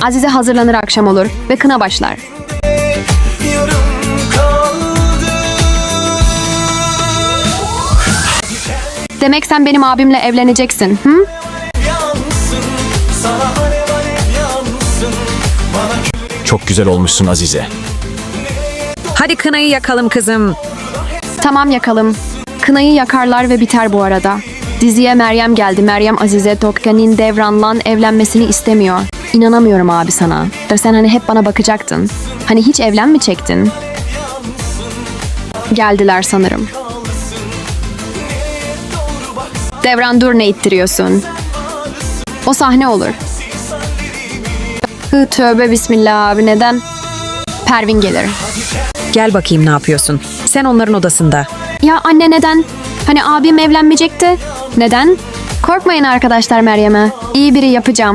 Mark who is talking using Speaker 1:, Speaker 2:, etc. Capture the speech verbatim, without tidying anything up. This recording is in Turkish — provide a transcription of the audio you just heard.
Speaker 1: Azize hazırlanır, akşam olur ve kına başlar. Demek sen benim abimle evleneceksin, hı?
Speaker 2: Çok güzel olmuşsun Azize.
Speaker 3: Hadi kınayı yakalım kızım.
Speaker 1: Tamam, yakalım. Kınayı yakarlar ve biter bu arada. Diziye Meryem geldi. Meryem Azize Tokyan'ın Devran'la evlenmesini istemiyor. İnanamıyorum abi sana. Da sen hani hep bana bakacaktın. Hani hiç evlenmeyecektin. Geldiler sanırım. Devran dur, ne ittiriyorsun? O sahne olur. Hı, tövbe bismillah abi, neden? Pervin gelir.
Speaker 3: Gel bakayım, ne yapıyorsun? Sen onların odasında.
Speaker 1: Ya anne, neden? Hani abim evlenmeyecekti. Neden? Korkmayın arkadaşlar Meryem'e. İyi biri yapacağım.